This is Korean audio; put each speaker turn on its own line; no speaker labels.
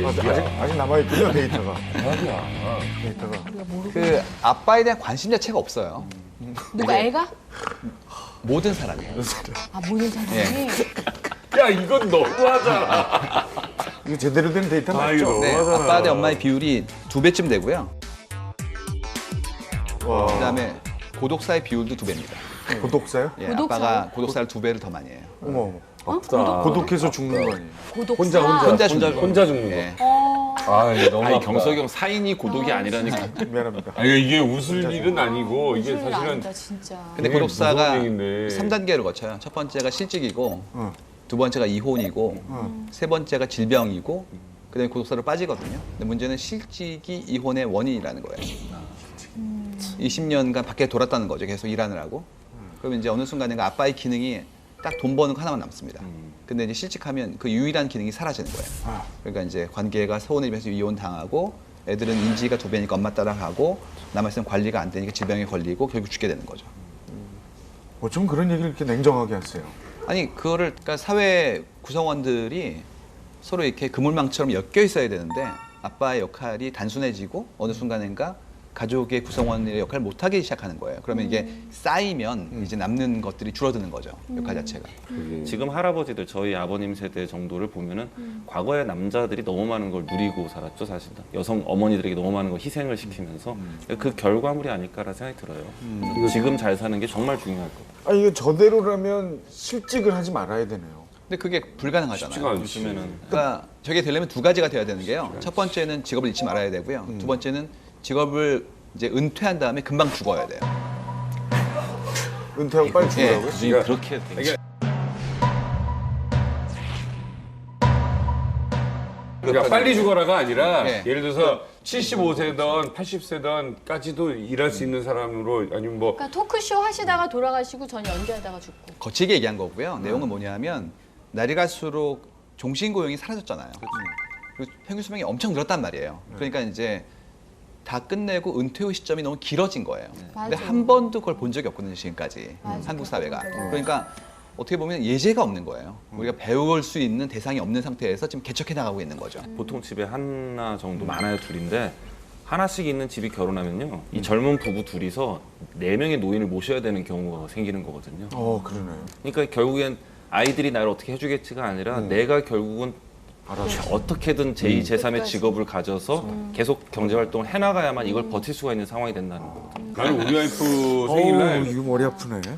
아직 남아있군요, 데이터가.
대박이야.
데이터가.
그 아빠에 대한 관심 자체가 없어요.
누가 애가?
모든 사람이에요.
아 모든 사람이.
예.
야, 이건 너무하잖아.
이거 제대로 된 데이터
이거
맞죠?
네,
너무하잖아.
아빠 대 엄마의 비율이 2배쯤 되고요.
와.
그다음에 고독사의 비율도 2배입니다.
고독사요?
예,
고독사요?
아빠가 고독사를 2배를 더 많이 해요.
어머.
아프다.
고독해서 죽는 거 아니에요?
고독사.
혼자 죽는 거.
혼자 죽는 거.
예.
아, 이거 너무
아니
아프다.
경석이 형 사인이 고독이 아니라니까.
미안합니다.
아니, 이게 웃을 일은 아니고 이게
사실은
사실은
아니다 진짜.
근데
되게
고독사가
무서운 얘기인데.
3단계를 거쳐요. 첫 번째가 실직이고,
어.
두 번째가 이혼이고, 세 번째가 질병이고, 그다음에 고독사로 빠지거든요. 근데 문제는 실직이 이혼의 원인이라는 거예요. 20년간 밖에 돌았다는 거죠. 계속 일하느라고 그러면 이제 어느 순간인가 아빠의 기능이 딱 돈 버는 거 하나만 남습니다. 근데 이제 실직하면 그 유일한 기능이 사라지는 거예요. 그러니까 이제 관계가 서운해지면서 이혼 당하고, 애들은 인지가 2배니까 엄마 따라가고, 남아있으면 관리가 안 되니까 질병에 걸리고 결국 죽게 되는 거죠.
어쩜 그런 얘기를 이렇게 냉정하게 하세요?
아니 그거를 그러니까 사회 구성원들이 서로 이렇게 그물망처럼 엮여 있어야 되는데 아빠의 역할이 단순해지고 어느 순간인가 가족의 구성원의 역할을 못하기 시작하는 거예요. 그러면 이게 쌓이면 이제 남는 것들이 줄어드는 거죠. 역할 자체가.
지금 할아버지들 저희 아버님 세대 정도를 보면은 과거에 남자들이 너무 많은 걸 누리고 살았죠 사실은. 여성 어머니들에게 너무 많은 걸 희생을 시키면서 그 결과물이 아닐까라는 생각이 들어요. 지금 잘 사는 게 정말 중요할 것 같아요.
아니, 이거 저대로라면 실직을 하지 말아야 되네요.
근데 그게 불가능하잖아요.
쉽지가 않지.
요즘에는
그러니까 저게 되려면 두 가지가 돼야 되는 게요. 첫 번째는 직업을 잃지 말아야 되고요. 두 번째는 직업을 이제 은퇴한 다음에 금방 죽어야 돼요.
은퇴하고 빨리 죽으라고요?
굳이 그렇게 되게
그러니까 빨리 죽어라가 아니라
네.
예를 들어서 75세든 80세든까지도 일할 수 있는 사람으로 아니면 뭐
그러니까 토크쇼 하시다가 돌아가시고 전 연기하다가 죽고.
거치게 얘기한 거고요. 내용은 뭐냐면 날이 갈수록 종신고용이 사라졌잖아요. 그리고 평균 수명이 엄청 늘었단 말이에요. 그러니까 이제 다 끝내고 은퇴 후 시점이 너무 길어진 거예요. 근데
맞아.
한 번도 그걸 본 적이 없거든요, 지금까지.
맞아.
한국 사회가.
맞아.
그러니까 어떻게 보면 예제가 없는 거예요. 우리가 배울 수 있는 대상이 없는 상태에서 지금 개척해 나가고 있는 거죠.
보통 집에 하나 정도 많아요 둘인데 하나씩 있는 집이 결혼하면요 이 젊은 부부 둘이서 4명의 노인을 모셔야 되는 경우가 생기는 거거든요.
그러네요.
그러니까 결국엔 아이들이 나를 어떻게 해주겠지가 아니라 내가 결국은 어떻게든 제2, 제3의 직업을 가져서 계속 경제 활동을 해나가야만 이걸 버틸 수가 있는 상황이 된다는 거거든요.
나는 우리 와이프 생일날
이거 머리 아프네.